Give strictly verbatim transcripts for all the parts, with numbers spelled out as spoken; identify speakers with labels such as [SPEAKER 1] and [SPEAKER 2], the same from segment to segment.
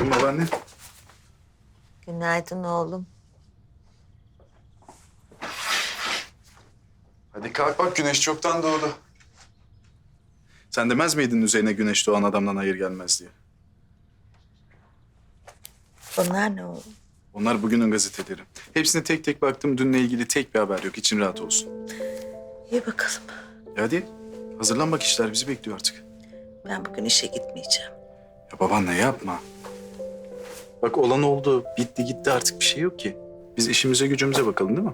[SPEAKER 1] Günaydın babaanne.
[SPEAKER 2] Günaydın oğlum.
[SPEAKER 1] Hadi kalk bak, güneş çoktan doğdu. Sen demez miydin üzerine güneş doğan adamdan hayır gelmez diye?
[SPEAKER 2] Bunlar ne oğlum?
[SPEAKER 1] Onlar bugünün gazeteleri. Hepsine tek tek baktım. Dünle ilgili tek bir haber yok. İçin rahat olsun.
[SPEAKER 2] İyi bakalım.
[SPEAKER 1] Ya hadi hazırlan bak, işler bizi bekliyor artık.
[SPEAKER 2] Ben bugün işe gitmeyeceğim.
[SPEAKER 1] Ya babaanne yapma. Bak olan oldu. Bitti gitti, artık bir şey yok ki. Biz işimize gücümüze bakalım, değil mi?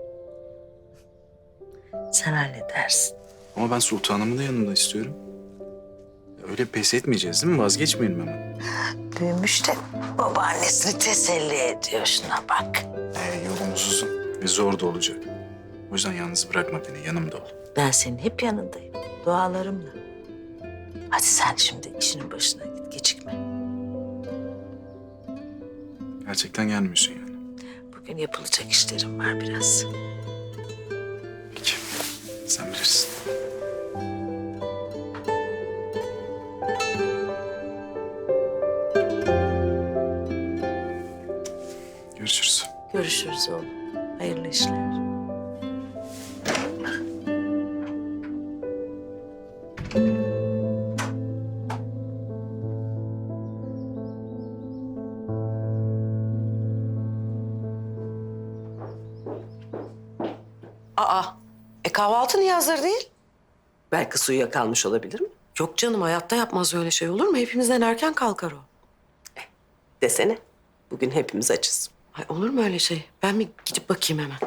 [SPEAKER 2] Sen halledersin.
[SPEAKER 1] Ama ben sultanımı da yanımda istiyorum. Ya öyle pes etmeyeceğiz değil mi? Vazgeçmeyelim hemen.
[SPEAKER 2] Büyümüş de babaannesini teselli ediyor. Şuna bak.
[SPEAKER 1] Ee, yolumuz uzun ve zor da olacak. O yüzden yalnız bırakma beni, yanımda ol.
[SPEAKER 2] Ben senin hep yanındayım. Dualarımla. Hadi sen şimdi işinin başına git. Gecikme.
[SPEAKER 1] Gerçekten gelmiyorsun yani.
[SPEAKER 2] Bugün yapılacak işlerim var biraz.
[SPEAKER 1] Peki, sen bilirsin. Görüşürüz.
[SPEAKER 2] Görüşürüz oğlum. Hayırlı işler.
[SPEAKER 3] Aa, e kahvaltı niye hazır değil? Belki suya kalmış olabilir mi? Yok canım, hayatta yapmaz öyle şey, olur mu? Hepimizden erken kalkar o. Eh, desene, bugün hepimiz açız. Ay, olur mu öyle şey? Ben bir gidip bakayım hemen.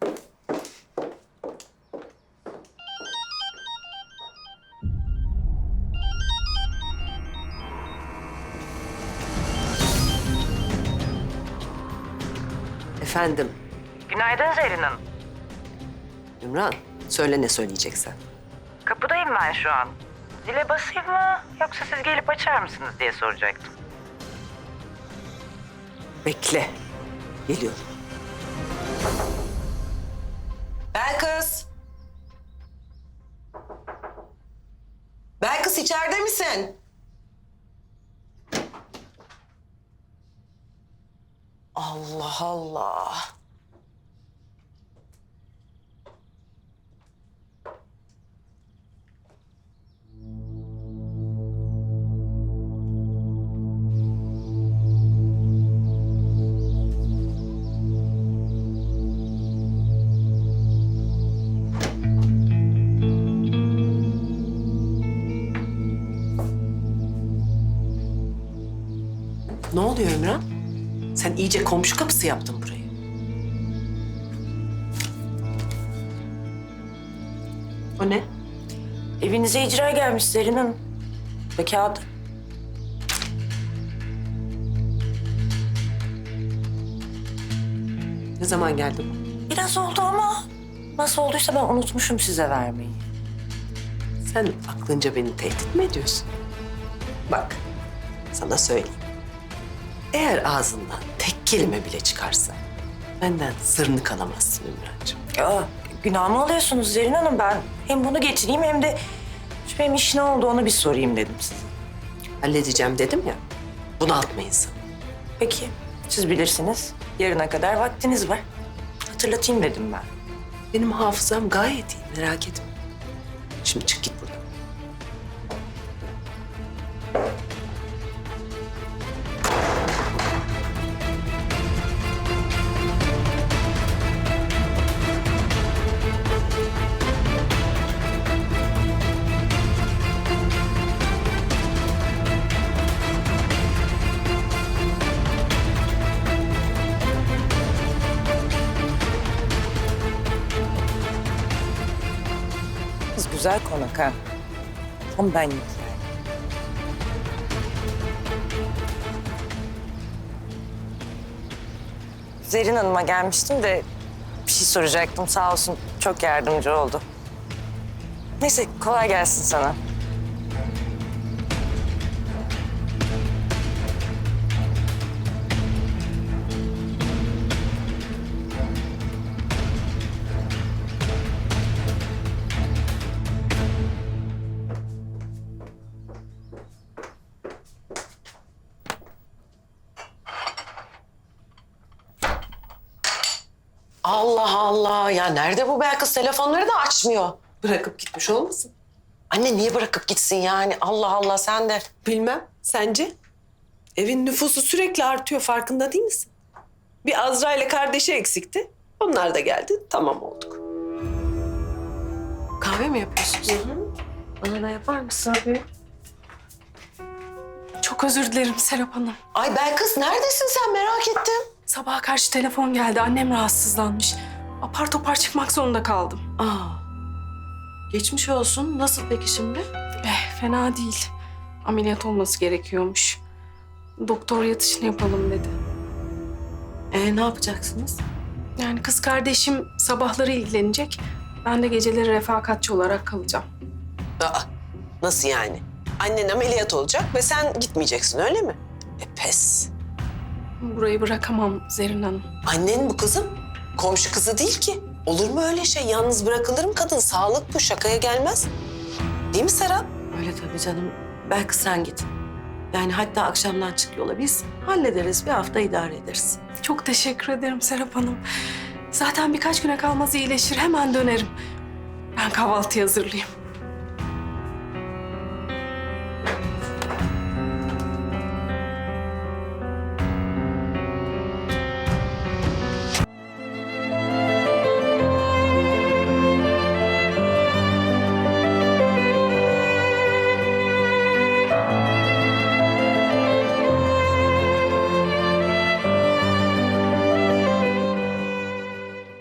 [SPEAKER 3] Efendim,
[SPEAKER 4] Günaydın Zerrin Hanım.
[SPEAKER 3] Ümran, söyle ne söyleyeceksen.
[SPEAKER 4] Kapıdayım ben şu an. Zile basayım mı yoksa siz gelip açar mısınız diye soracaktım.
[SPEAKER 3] Bekle, geliyorum. Belkıs! Belkıs, içeride misin? Allah Allah. Ne oluyor Ümran? Sen iyice komşu kapısı yaptın burayı. O ne?
[SPEAKER 4] Evinize icra gelmiş Zerrin Hanım. Ve kağıdı.
[SPEAKER 3] Ne zaman geldi bu?
[SPEAKER 4] Biraz oldu ama nasıl olduysa ben unutmuşum size vermeyi.
[SPEAKER 3] Sen aklınca beni tehdit mi ediyorsun? Bak, sana söyleyeyim. Eğer ağzından tek kelime bile çıkarsa benden sırrını kalamazsın Ümrancığım.
[SPEAKER 4] Ya günah mı alıyorsunuz Zerrin Hanım? Ben hem bunu getireyim hem de şu benim iş ne oldu onu bir sorayım dedim size.
[SPEAKER 3] Halledeceğim dedim ya, bunaltma insanı.
[SPEAKER 4] Peki siz bilirsiniz. Yarına kadar vaktiniz var. Hatırlatayım dedim ben.
[SPEAKER 3] Benim hafızam gayet iyi, merak etme. Şimdi çık git buradan.
[SPEAKER 4] Kız güzel konak ha. Tam benlik yani. Zerrin Hanım'a gelmiştim de bir şey soracaktım. Sağ olsun çok yardımcı oldu. Neyse kolay gelsin sana.
[SPEAKER 3] Aa ya nerede bu Belkıs? Telefonları da açmıyor. Bırakıp gitmiş olmasın?
[SPEAKER 5] Anne niye bırakıp gitsin yani? Allah Allah sen de.
[SPEAKER 3] Bilmem. Sence? Evin nüfusu sürekli artıyor. Farkında değil misin? Bir Azra ile kardeşi eksikti. Onlar da geldi. Tamam olduk.
[SPEAKER 5] Kahve mi yapıyorsunuz? Bana da yapar mısın?
[SPEAKER 3] Tabii.
[SPEAKER 6] Çok özür dilerim Serap Hanım.
[SPEAKER 5] Ay Belkıs neredesin sen merak ettim.
[SPEAKER 6] Sabaha karşı telefon geldi. Annem rahatsızlanmış. Apar topar çıkmak zorunda kaldım.
[SPEAKER 5] Aa, geçmiş olsun. Nasıl peki şimdi?
[SPEAKER 6] Eh, fena değil. Ameliyat olması gerekiyormuş. Doktor yatışını yapalım dedi.
[SPEAKER 5] Ee, ne yapacaksınız?
[SPEAKER 6] Yani kız kardeşim sabahları ilgilenecek. Ben de geceleri refakatçi olarak kalacağım.
[SPEAKER 5] Aa, nasıl yani? Annen ameliyat olacak ve sen gitmeyeceksin öyle mi? E pes.
[SPEAKER 6] Burayı bırakamam Zerrin Hanım.
[SPEAKER 5] Annen bu kızım. Komşu kızı değil ki. Olur mu öyle şey? Yalnız bırakılır mı kadın? Sağlık bu, şakaya gelmez. Değil mi Serap?
[SPEAKER 3] Öyle tabii canım. Belki sen git. Yani hatta akşamdan çık yola. Biz hallederiz. Bir hafta idare ederiz.
[SPEAKER 6] Çok teşekkür ederim Serap Hanım. Zaten birkaç güne kalmaz iyileşir. Hemen dönerim. Ben kahvaltı hazırlayayım.